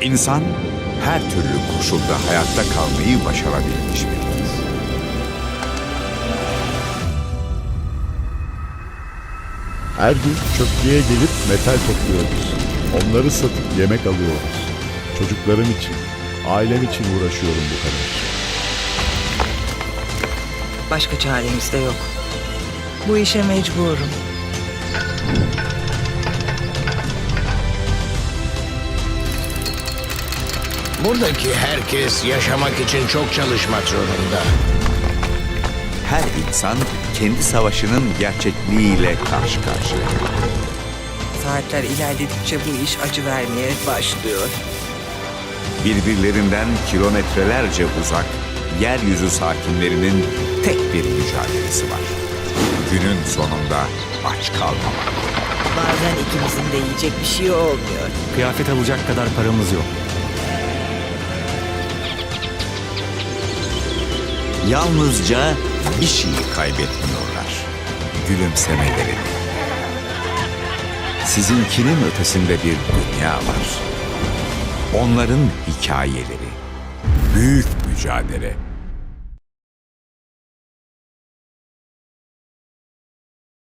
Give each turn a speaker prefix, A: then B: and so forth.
A: İnsan her türlü koşulda hayatta kalmayı başarabilmiş biridir.
B: Her gün çöplüğe gelip metal topluyoruz. Onları satıp yemek alıyoruz. Çocuklarım için, ailem için uğraşıyorum bu kadar.
C: Başka çaremiz de yok. Bu işe mecburum.
D: Buradaki herkes yaşamak için çok çalışmak zorunda.
A: Her insan kendi savaşının gerçekliğiyle karşı karşıya.
C: Saatler ilerledikçe bu iş acı vermeye başlıyor.
A: Birbirlerinden kilometrelerce uzak yeryüzü sakinlerinin tek bir mücadelesi var. Günün sonunda aç kalmamak.
C: Bazen ikimizin de yiyecek bir şey olmuyor.
E: Kıyafet alacak kadar paramız yok.
A: Yalnızca bir şeyi kaybetmiyorlar. Gülümsemelerini. Sizinkinin ötesinde bir dünya var. Onların hikayeleri, büyük mücadele,